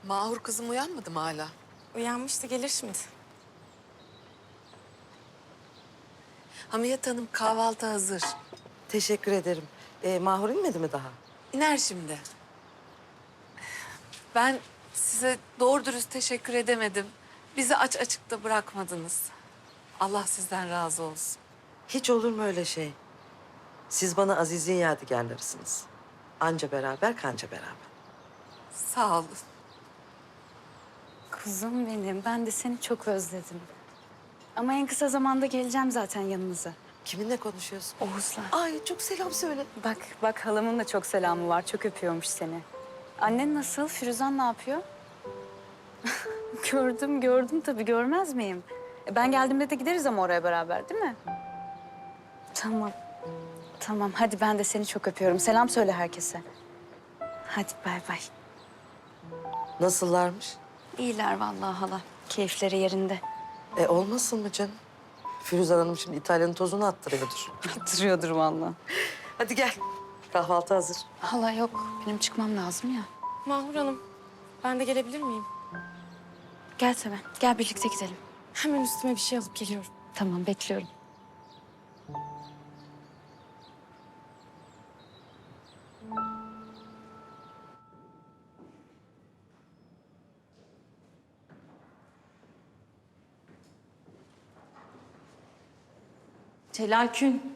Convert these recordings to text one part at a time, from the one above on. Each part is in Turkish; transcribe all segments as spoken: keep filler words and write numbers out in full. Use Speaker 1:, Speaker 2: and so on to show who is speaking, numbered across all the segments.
Speaker 1: Mahur kızım uyanmadı mı hala?
Speaker 2: Uyanmıştı, gelir şimdi.
Speaker 1: Hamiyet Hanım kahvaltı hazır.
Speaker 3: Teşekkür ederim. Ee, Mahur inmedi mi daha?
Speaker 1: İner şimdi. Ben size doğru dürüst teşekkür edemedim. Bizi aç açıkta bırakmadınız. Allah sizden razı olsun.
Speaker 3: Hiç olur mu öyle şey? Siz bana Aziz'in yadigarlarısınız. Anca beraber, kanca beraber.
Speaker 1: Sağ olun.
Speaker 4: Kuzum benim, ben de seni çok özledim. Ama en kısa zamanda geleceğim zaten yanınıza.
Speaker 3: Kiminle konuşuyorsun?
Speaker 4: Oğuz'la.
Speaker 3: Ay çok selam söyle.
Speaker 4: Bak, bak halamın da çok selamı var. Çok öpüyormuş seni. Annen nasıl? Firuzan ne yapıyor? Gördüm, gördüm tabii. Görmez miyim? E, Ben geldiğimde de gideriz ama oraya beraber, değil mi? Tamam. Tamam, hadi ben de seni çok öpüyorum. Selam söyle herkese. Hadi bay bay.
Speaker 3: Nasıllarmış?
Speaker 4: İyiler vallahi hala. Keyifleri yerinde.
Speaker 3: E olmasın mı canım? Firuzan Hanım şimdi İtalya'nın tozunu attırıyordur.
Speaker 4: Attırıyordur vallahi.
Speaker 3: Hadi gel. Kahvaltı hazır.
Speaker 4: Hala yok. Benim çıkmam lazım ya.
Speaker 2: Mahur Hanım, ben de gelebilir miyim?
Speaker 4: Gel Seven. Gel birlikte gidelim.
Speaker 2: Hemen üstüme bir şey alıp geliyorum.
Speaker 4: Tamam bekliyorum.
Speaker 5: Celal Kün.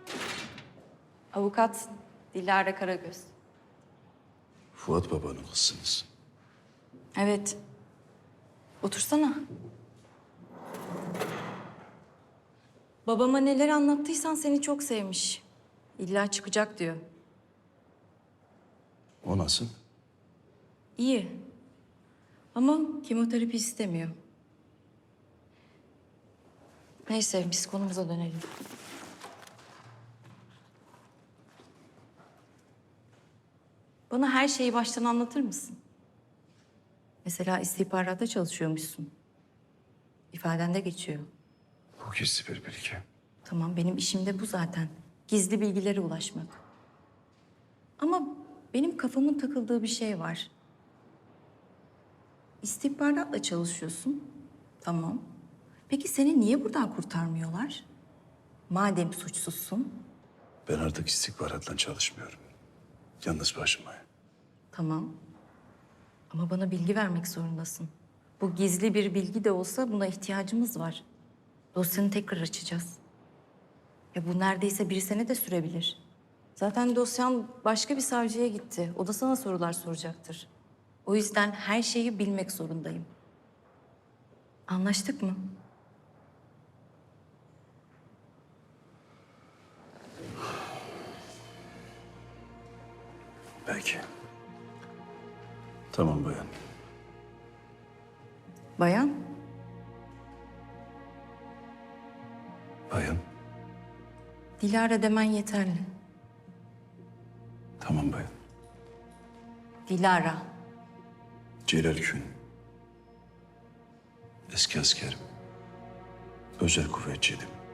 Speaker 5: Avukat Dilara Karagöz.
Speaker 6: Fuat babanın kızsınız.
Speaker 5: Evet. Otursana. Babama neler anlattıysan seni çok sevmiş. İlla çıkacak diyor.
Speaker 6: O nasıl?
Speaker 5: İyi. Ama kemoterapi istemiyor. Neyse biz konumuza dönelim. Bana her şeyi baştan anlatır mısın? Mesela istihbaratta çalışıyormuşsun. İfadende geçiyor.
Speaker 6: Bu gizli bir bilgi.
Speaker 5: Tamam, benim işim de bu zaten. Gizli bilgilere ulaşmak. Ama benim kafamın takıldığı bir şey var. İstihbaratla çalışıyorsun. Tamam. Peki seni niye buradan kurtarmıyorlar? Madem suçsuzsun.
Speaker 6: Ben artık istihbaratla çalışmıyorum. Yalnız başıma.
Speaker 5: Tamam. Ama bana bilgi vermek zorundasın. Bu gizli bir bilgi de olsa buna ihtiyacımız var. Dosyanı tekrar açacağız. Ya bu neredeyse bir sene de sürebilir. Zaten dosyan başka bir savcıya gitti. O da sana sorular soracaktır. O yüzden her şeyi bilmek zorundayım. Anlaştık mı?
Speaker 6: Belki. Tamam bayan.
Speaker 5: Bayan,
Speaker 6: Bayan.
Speaker 5: Dilara demen yeterli.
Speaker 6: Tamam bayan.
Speaker 5: Dilara.
Speaker 6: Celal Kün. Eski askerim. Özel kuvvetçiydim.